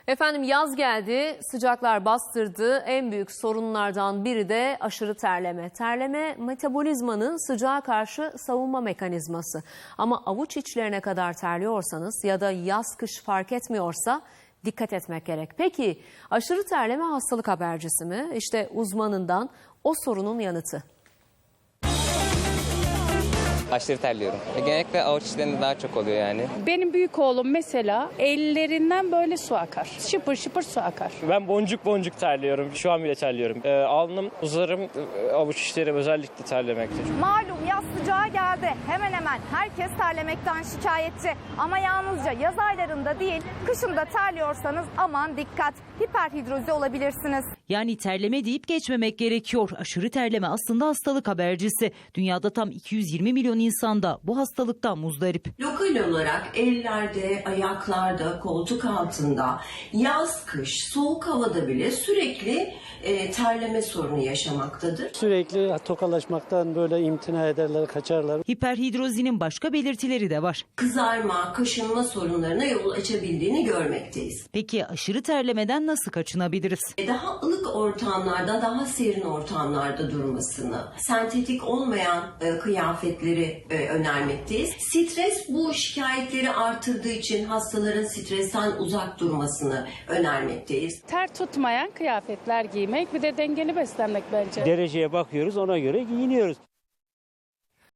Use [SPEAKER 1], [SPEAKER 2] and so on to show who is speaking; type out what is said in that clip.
[SPEAKER 1] Efendim yaz geldi, sıcaklar bastırdı. En büyük sorunlardan biri de aşırı terleme. Terleme metabolizmanın sıcağa karşı savunma mekanizması. Ama avuç içlerine kadar terliyorsanız ya da yaz kış fark etmiyorsa dikkat etmek gerek. Peki aşırı terleme hastalık habercisi mi? İşte uzmanından o sorunun yanıtı.
[SPEAKER 2] Aşırı terliyorum. Genellikle avuç içlerinde daha çok oluyor yani.
[SPEAKER 3] Benim büyük oğlum mesela ellerinden böyle su akar. Şıpır şıpır su akar.
[SPEAKER 4] Ben boncuk boncuk terliyorum. Şu an bile terliyorum. Alnım, uzarım, avuç içlerim özellikle terlemekte.
[SPEAKER 5] Malum yaz sıcağı geldi. Hemen hemen herkes terlemekten şikayetçi. Ama yalnızca yaz aylarında değil, kışın da terliyorsanız aman dikkat. Hiperhidrozi olabilirsiniz.
[SPEAKER 6] Yani terleme deyip geçmemek gerekiyor. Aşırı terleme aslında hastalık habercisi. Dünyada tam 220 milyon insanda bu hastalıktan muzdarip.
[SPEAKER 7] Lokal olarak ellerde, ayaklarda, koltuk altında, yaz, kış, soğuk havada bile sürekli terleme sorunu yaşamaktadır.
[SPEAKER 8] Sürekli tokalaşmaktan böyle imtina ederler, kaçarlar.
[SPEAKER 6] Hiperhidrozinin başka belirtileri de var.
[SPEAKER 7] Kızarma, kaşınma sorunlarına yol açabildiğini görmekteyiz.
[SPEAKER 6] Peki aşırı terlemeden nasıl kaçınabiliriz?
[SPEAKER 7] Daha ılık ortamlarda, daha serin ortamlarda durmasını, sentetik olmayan kıyafetleri önermekteyiz. Stres bu şikayetleri artırdığı için hastaların stresten uzak durmasını önermekteyiz.
[SPEAKER 3] Ter tutmayan kıyafetler giymek, bir de dengeli beslenmek bence.
[SPEAKER 8] Dereceye bakıyoruz, ona göre giyiniyoruz.